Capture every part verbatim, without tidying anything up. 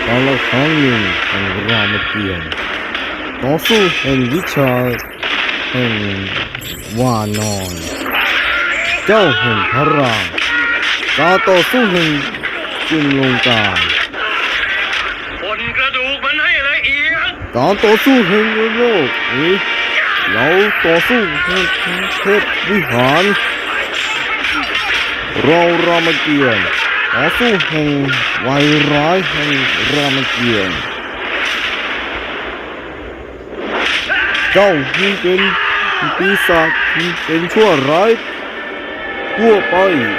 กาลครั้งหนึ่งแห่งรามเกียรติ์ต่อสู้แห่งวิชาแห่งวานอนเจ้าแห่งพระรามการต่อสู้แห่งจุลงกาบนกระดูกมันให้ละเอียดการต่อสู้แห่งโลกนี้เราต่อสู้แห่งเทพวิหารเรารามเกียรติ์ต่อสู้แห่งวายร้ายแห่งรามเกียรติ์เจ้าที่เป็นปีศาจที่เป็นชั่วร้ายทั่วไป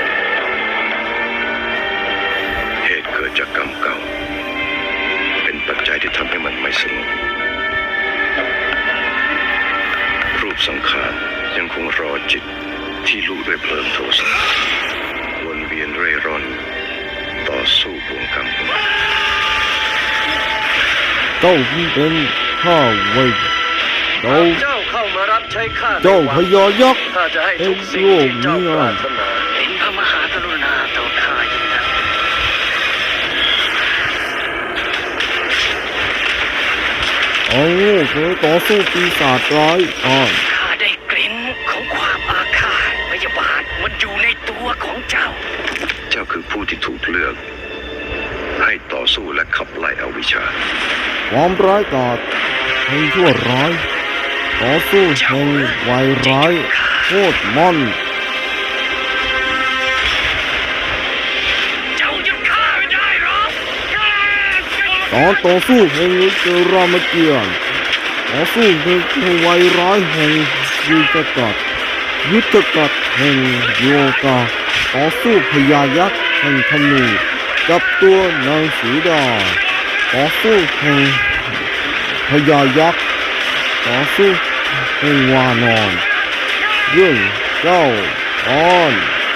เหตุเกิดจากกรรมเก่าเป็นปัจจัยที่ทำให้มันไม่สงบรูปสังขารยังคงรอจิตที่ลุด้วยเพลิงโทสะวนเวียนเร่ร่อนต่อสู้บ่วงกรรมเจ้าที่เป็นข้าไว้เจ้าเจ้าเข้ามารับใช้ข้าเจ้าพญายักษ์ข้าจะให้ทุกสิ่งที่เจ้าปรารถนาเป็นพระมหากรุณาต่อข้ายิ่งนักโอ้เคยต่อสู้ปีศาจร้ายอ่อนข้าได้กลิ่นของความอาฆาตพยาบาทมันอยู่ในตัวของเจ้าเจ้าคือผู้ที่ถูกเลือกให้ต่อสู้และขับไล่อวิชชาความร้ายกาจแห่งชั่วร้ายต่อสู้แห่งวายร้ายโคตรมอนเจ้าจะฆ่าไม่ได้หรอกตอนต่อสู้แห่งเจรามเกียรติ์ต่อสู้แห่งวายร้ายแห่งยุทธกัดยุทธกัดแห่งโยกาต่อสู้พญายักษ์แห่งธนูกับตัวนางสีดาต่อสู้แห่งพญายักษ์ต่อสู้แห่งวานอนเรื่องเจ้าออน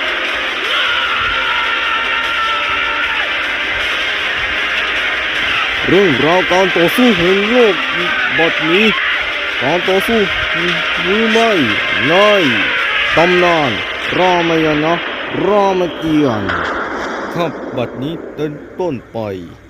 เรื่องราวการต่อสู้แห่งโลกบัดนี้การต่อสู้หรือไม่ในตำนานรามายณะรามเกียรติ์ครับบัดนี้เป็นต้นไป